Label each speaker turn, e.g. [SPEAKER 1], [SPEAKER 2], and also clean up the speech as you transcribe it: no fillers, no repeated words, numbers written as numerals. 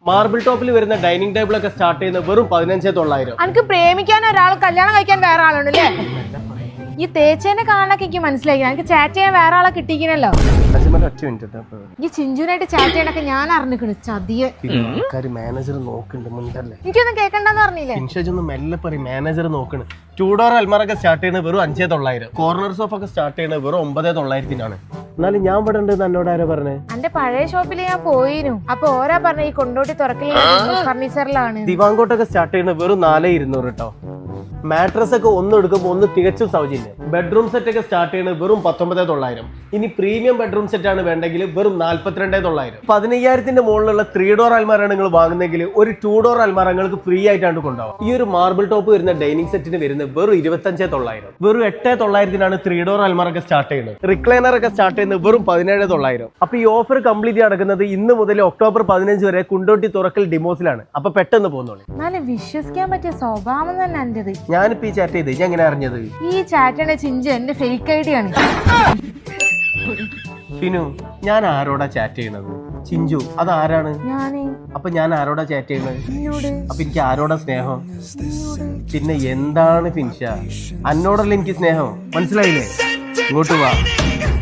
[SPEAKER 1] Marble ടോപ്പിൽ വരുന്ന dining table ഒക്കെ സ്റ്റാർട്ട് ചെയ്യുന്നത് വെറും 15,900.
[SPEAKER 2] എനിക്ക് പ്രേമിക്കാൻ ഒരാൾ കല്യാണം കഴിക്കാൻ വേറെ ആളുണ്ട് അല്ലേ? ഈ തേച്ചേനെ കാണാനൊക്കെ എനിക്ക് മനസ്സിലായി. എനിക്ക് ചാറ്റ് ചെയ്യാൻ വേറെ ആളെ കിട്ടിക്കണല്ലോ. ഈ ചിഞ്ചുനായിട്ട് ചാറ്റ് ചെയ്യാനൊക്കെ ഞാൻ അറിഞ്ഞിക്കണ്. ചതിയെ
[SPEAKER 1] മാനേജർ നോക്കുന്നുണ്ട്.
[SPEAKER 2] എനിക്കൊന്നും കേൾക്കണ്ടെന്ന് പറഞ്ഞില്ലേ?
[SPEAKER 1] മെല്ലെ പറയും. മാനേജർ നോക്കണ്. 2 ഡോർ അൽമാറൊക്കെ സ്റ്റാർട്ട് ചെയ്യുന്നത് വെറും 5,900. കോർണർ സോഫ ഒക്കെ സ്റ്റാർട്ട് ചെയ്യുന്നത് വെറും 9,900. എന്നാലും ഞാൻ ഇവിടെ ഉണ്ട് എന്നോട് ആരാ പറഞ്ഞേ?
[SPEAKER 2] എന്റെ പഴയ ഷോപ്പിൽ ഞാൻ പോയിരുന്നു. അപ്പൊ ഓരാ പറഞ്ഞ ഈ കൊണ്ടോട്ടി തുറക്കലില്ല ഫർണിച്ചറിലാണ്.
[SPEAKER 1] ദിവാങ്കോട്ടൊക്കെ സ്റ്റാർട്ട് ചെയ്യുന്നത് വെറും 4,200 കേട്ടോ. മാട്രസ് ഒക്കെ ഒന്ന് എടുക്കുമ്പോൾ ഒന്ന് തികച്ചും സൗജന്യം. ബെഡ്റൂം സെറ്റ് ഒക്കെ സ്റ്റാർട്ട് ചെയ്യുന്നത് വെറും 19,900. ഇനി പ്രീമിയം ബെഡ്റൂം സെറ്റ് ആണ് വേണ്ടെങ്കിൽ വെറും 42,900. 15,000 മുകളിലുള്ള 3 ഡോർ അൽമാരാണ് നിങ്ങൾ വാങ്ങുന്നെങ്കിൽ ഒരു 2 ഡോർ അൽമാര നിങ്ങൾക്ക് ഫ്രീ ആയിട്ടാണ് കൊണ്ടുപോകും. ഈ ഒരു മാർബിൾ ടോപ്പ് വരുന്ന ഡൈനിങ് സെറ്റിന് വരുന്നത് വെറും 25,900. വെറും 8,900 3 ഡോർ അൽമാര ഒക്കെ സ്റ്റാർട്ട് ചെയ്യുന്നത്. റിക്ലൈനർ ഒക്കെ സ്റ്റാർട്ട് ചെയ്യുന്നത് വെറും 17,900. അപ്പൊ ഈ ഓഫർ കംപ്ലീറ്റ് നടക്കുന്നത് ഇന്ന് മുതൽ ഒക്ടോബർ 15 വരെ കുണ്ടോട്ടി തുറക്കൽ ഡിമോസിലാണ്. അപ്പൊ പെട്ടെന്ന് പോകുന്നോളൂ.
[SPEAKER 2] എന്നാലും വിശ്വസിക്കാൻ പറ്റിയ സ്വഭാവം തന്നെ എന്റേത്.
[SPEAKER 1] ഞാനിപ്പോ ഈ ചാറ്റ് ചെയ്ത് ഞാൻ എങ്ങനെ അറിഞ്ഞത്?
[SPEAKER 2] ഈ ചാറ്റാണ് ചിഞ്ചു എന്റെ ഫേക്ക് ഐഡി ആണ്.
[SPEAKER 1] ഫിനു, ഞാൻ ആരോടാ ചാറ്റ് ചെയ്യണത്? ചിഞ്ചു അതാരാണ്?
[SPEAKER 2] ഞാന്.
[SPEAKER 1] അപ്പൊ ഞാൻ ആരോടാ ചാറ്റ് ചെയ്യണത്? അപ്പൊ എനിക്ക് ആരോടാ സ്നേഹം? പിന്നെ എന്താണ് ഫിൻഷ, അന്നോടല്ല എനിക്ക് സ്നേഹം. മനസ്സിലായില്ലേ? ഇങ്ങോട്ട് വാ.